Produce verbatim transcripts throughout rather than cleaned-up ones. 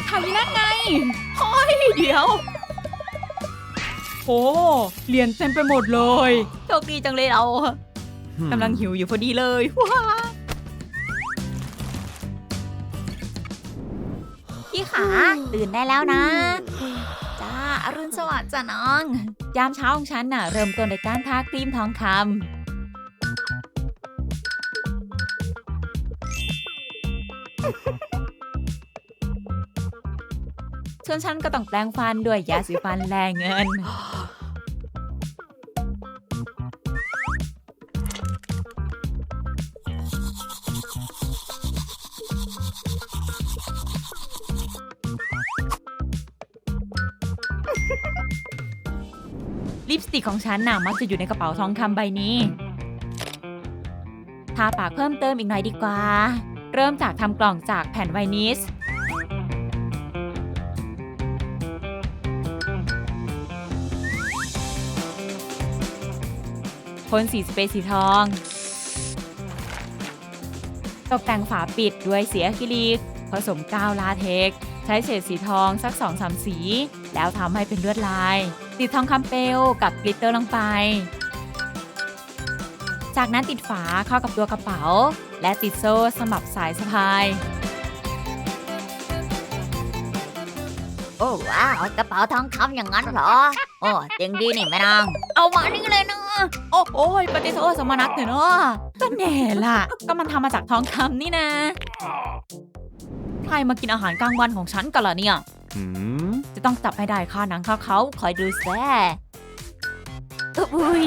ถ่ายนั่นไงเฮ้ยเดี๋ยวโอ้เหรียญเต็มไปหมดเลยโชคดีจังเลยเรากำลังหิวอยู่พอดีเลยว้าพี่ขาตื่นได้แล้วนะจ้าอรุณสวัสดิ์จ้ะน้องยามเช้าของฉันน่ะเริ่มต้นในการทาครีมทองคำส่วนฉันก็ต้องแปรงฟันด้วยยาสีฟันแรงเงินลิปสติกของฉันน่ะมักจะอยู่ในกระเป๋าทองคำใบนี้ทาปากเพิ่มเติมอีกหน่อยดีกว่าเริ่มจากทำกล่องจากแผ่นไวนิสพ่นสีสเปรย์สีทองตกแต่งฝาปิดด้วยสีอะคริลิกผสมกาวลาเท็กซ์ใช้เฉดสีทองสัก สองถึงสาม สีแล้วทำให้เป็นลวดลายติดทองคำเปลวกับกลิตเตอร์ลงไปจากนั้นติดฝาเข้ากับตัวกระเป๋าและติดโซ่สำหรับสายสะพายโอ้ว้าวกระเป๋าทองคำอย่างนั้นเหรอโอ้เจ๋งดีนี่แม่นางเอามานี่เลยนะโอ้โอ้ยปฏิโทษสมนัตเถอะเนาะก็แน่ล่ะก็มันทำมาจากทองคำนี่นะใครมากินอาหารกลางวันของฉันกันล่ะเนี่ยจะต้องจับให้ได้ค่าหนังค่าเขาคอยดูแซ่อุ้ย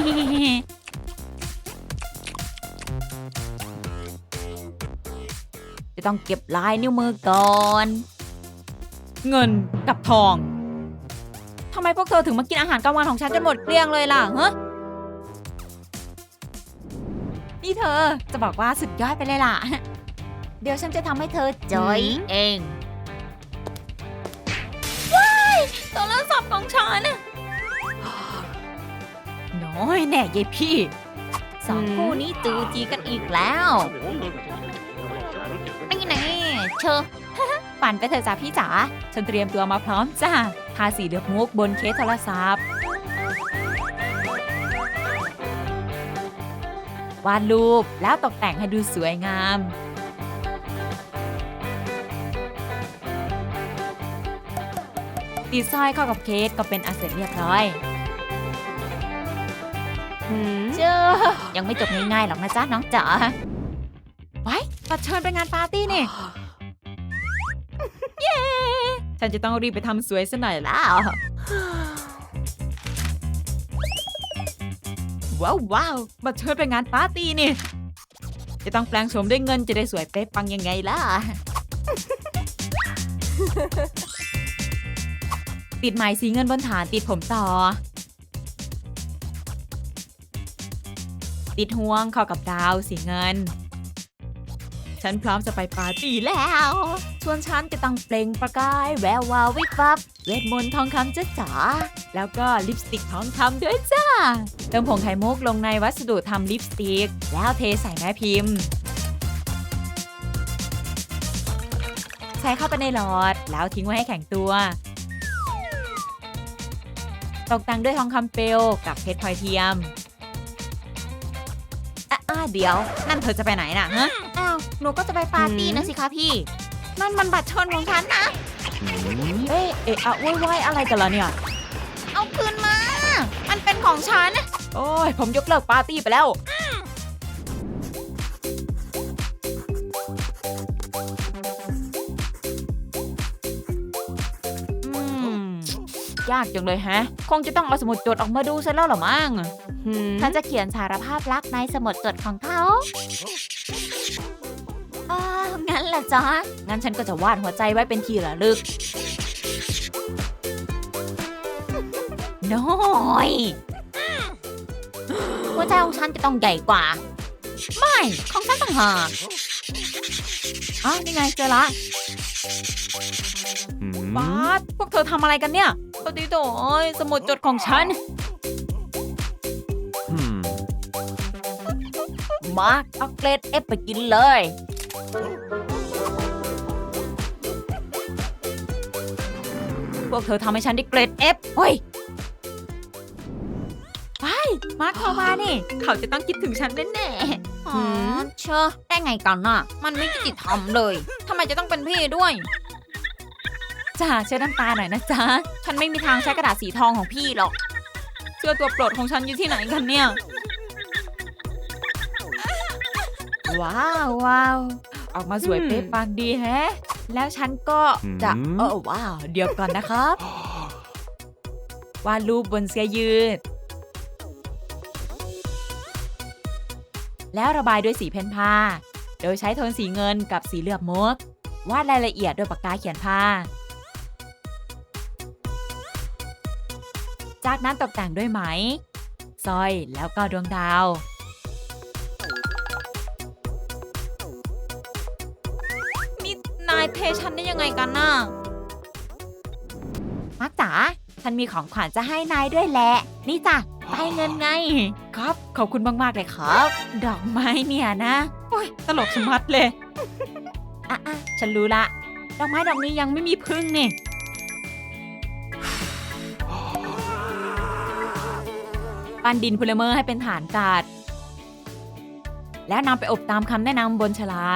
จะต้องเก็บลายนิ้วมือก่อนเงินกับทองทำไมพวกเธอถึงมากินอาหารกลางวันของฉันจนหมดเกลี้ยงเลยล่ะฮะนี่เธอจะบอกว่าสุดยอดไปเลยล่ะเดี๋ยวฉันจะทำให้เธอจอยเองว้ายโทรศัพท์ของฉันน้อยแน่ยายพี่สองคู่นี้จูจีกันอีกแล้วนี่แน่เชอปั่นไปเถอะจ้าพี่จ๋าฉันเตรียมตัวมาพร้อมจ้าทาสีเลือกมุกบนเคสโทรศัพท์วาดรูปแล้วตกแต่งให้ดูสวยงามติดสร้อยเข้ากับเคสก็เป็นอันเสร็จเรียบร้อยเจ้ายังไม่จบง่ายๆหรอกนะจ๊ะน้องจ๋าไว้ตัดเชิญไปงานปาร์ตี้นี่เย้ฉันจะต้องรีบไปทำสวยซะหน่อยแล้วว้าวว้าวมาเชิญไปงานปาร์ตี้นี่จะต้องแปลงโฉมด้วยเงินจะได้สวยเป๊ะปังยังไงล่ะ ติดไหมสีเงินบนฐานติดผมต่อติดห่วงเข้ากับดาวสีเงินฉันพร้อมจะไปปาร์ตี้แล้วส่วนฉันจะต้องเปล่งประกายแวววาววิบวับเวทมนต์ทองคำจ้าจ๋าแล้วก็ลิปสติกทองคำด้วยจ้าเติมผงไข่มุกลงในวัสดุทำลิปสติกแล้วเทใส่แม่พิมพ์ใส่เข้าไปในหลอดแล้วทิ้งไว้ให้แข็งตัวตกแต่งด้วยทองคำเปลวกับเพชรพลอยเทียมอ่ะเดี๋ยวนั่นเธอจะไปไหนน่ะฮะอ้าวหนูก็จะไปปาร์ตี้นะสิคะพี่นั่นมันบัตรเชิญของฉันนะเอ๊ะเอ๊ะอะว้ายอะไรกันล่ะเนี่ยเอาคืนมามันเป็นของฉันโอ้ยผมยกเลิกปาร์ตี้ไปแล้วยากจังเลยฮะคงจะต้องเอาสมุดจดออกมาดูซะแล้วหรอมั้งฉันจะเขียนสารภาพรักในสมุดจดของเขาอ้าวงั้นล่ะจ๊ะงั้นฉันก็จะวาดหัวใจไว้เป็นที่ระลึกน้อยหัวใจของฉันจะต้องใหญ่กว่าไม่ของฉันต่างหากอ้าวนี่ไงเจอละบาสพวกเธอทำอะไรกันเนี่ยปฏิโดยสมุดจดของฉันมาเอาเกรดเอฟไปกินเลยพวกเธอทำให้ฉันได้เกรด F เฮ้ยไปมาร์คเข้ามานี่เขาจะต้องคิดถึงฉันแน่ๆอ๋อเชอะได้ไงกันน่ะ มันไม่ยุติธรรมเลยทำไมจะต้องเป็นพี่ด้วยจ้าเช็ดน้ำตาหน่อยนะจ๊ะฉันไม่มีทางใช้กระดาษสีทองของพี่หรอกเสื้อตัวโปรดของฉันอยู่ที่ไหนกันเนี่ย ว้าวว้าวออกมาสวยเป๊ะปังดีแฮะ แล้วฉันก็จะอืมเออว้าว เดี๋ยวก่อนนะครับ วาดรูปบนเสื้อยืด แล้วระบายด้วยสีเพนผ้า โดยใช้โทนสีเงินกับสีเหลือบมุก วาดรายละเอียดด้วยปากกาเขียนผ้า จากนั้นตกแต่งด้วยไหมสร้อยแล้วก็ดวงดาวนี่นายเทฉันได้ยังไงกันน่ะมักจ๋าฉันมีของขวัญจะให้นายด้วยแหละ นี่จ้ะใบเงินไง ครับ ขอบคุณมาก ๆ เลยครับ ดอกไม้เนี่ยนะโอ้ยตลกชะมัดเลย อ่ะอ่ะฉันรู้ละ ดอกไม้ดอกนี้ยังไม่มีพึ่งนี่ ปั้นดินพลิเมอร์ให้เป็นฐานกาด แล้วนำไปอบตามคำแนะนำบนฉลาก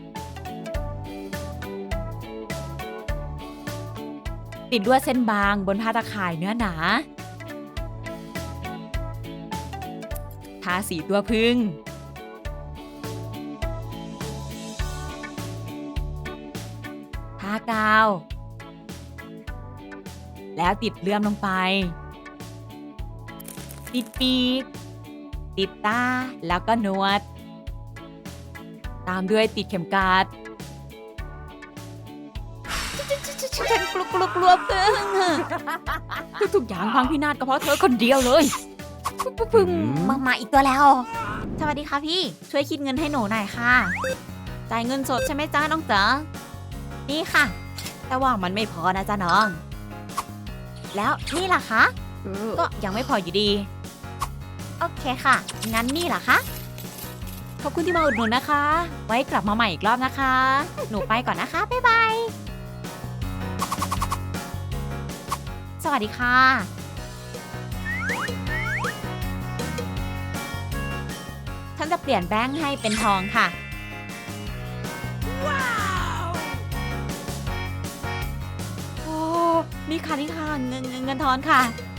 ติดลวดเส้นบางบนผ้าตะข่ายเนื้อหนา ทาสีตัวพึ่ง ทากาว แล้วติดเลื่อมลงไป ติดปีก ติดตา แล้วก็หนวด ตามด้วยติดเข็มกลัดฉันกลัวกลัวกลัวพึ่งทุกๆอย่างพังพินาศก็เพราะเธอคนเดียวเลยพึ่งมามาอีกตัวแล้วสวัสดีค่ะพี่ ช่วยคิดเงินให้หนูหน่อยค่ะ จ่ายเงินสดใช่ไหมจ้าน้องจ๋านี่ค่ะ แต่ว่ามันไม่พอนะจ๊ะน้อง แล้วนี่ล่ะคะ ก็ยังไม่พออยู่ดี โอเคค่ะ งั้นนี่ล่ะคะ ขอบคุณที่มาอุดหนุนนะคะ ไว้กลับมาใหม่อีกรอบนะคะ หนูไปก่อนนะคะ บ๊ายบาย สวัสดีค่ะ ฉันจะเปลี่ยนแบงค์ให้เป็นทองค่ะ ว้าว โอ้ นี่ค่ะนี่ค่ะเงินเงินเงินทอนค่ะ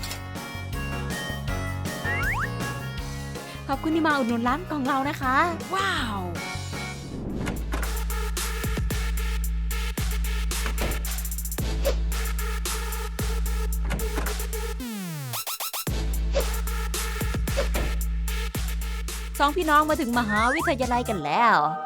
ขอบคุณที่มาอุดหนุนร้านของเรานะคะ ว้าว สองพี่น้องมาถึงมหาวิทยาลัยกันแล้ว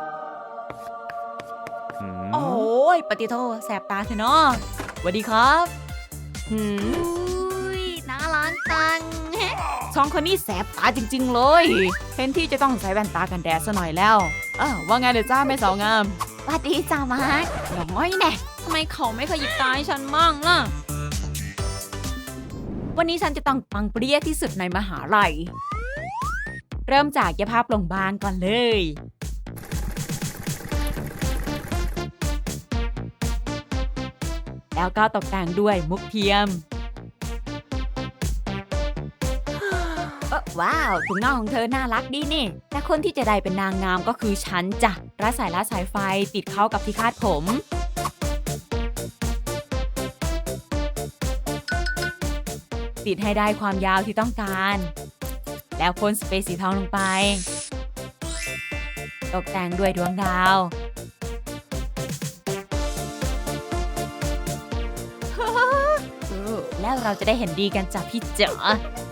อืมโอ้ยปฏิโทแสบตาเถอะเนาะสวัสดีครับหืมอุ้ยน่ารักจังสองคนนี้แสบตาจริงๆเลยเห็นที่จะต้องใส่แว่นตากันแดดซะหน่อยแล้วอ้าวว่าไงเดี๋ยวจ้าแม่สาวงามสวัสดีจ้ามาร์คน้อยแน่ทำไมเขาไม่ขยิบตาให้ฉันมั่งล่ะ วันนี้ฉันจะต้องปังเปรี้ยที่สุดในมหาลัย เริ่มจากเย็บผ้าโปร่งบางก่อนเลย แล้วก็ตกแต่งด้วยมุกเทียม เอ้อว้าวถุงน่องของเธอน่ารักดีนี่ แต่คนที่จะได้เป็นนางงามก็คือฉันจ้ะรัดสายรัดสายไฟติดเข้ากับที่คาดผม ติดให้ได้ความยาวที่ต้องการ แล้วพ่นสเปรย์สีทองลงไป ตกแต่งด้วยดวงดาว แล้วเราจะได้เห็นดีกันจากพี่เจ๋อ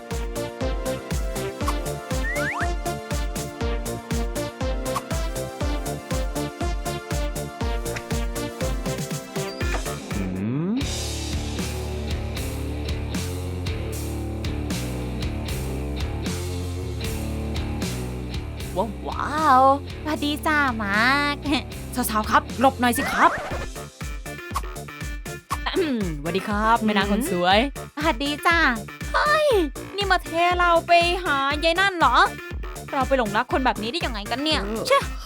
อืมว้าวว้าวสวัสดีจ้ามาร์ค สาวๆครับหลบหน่อยสิครับอืมสวัสดีครับแม่นางคนสวยสวัสดีจ้าเฮ้ยนี่มาเทเราไปหายายนั่นเหรอ เราไปหลงรักคนแบบนี้ได้ยังไงกันเนี่ยเช่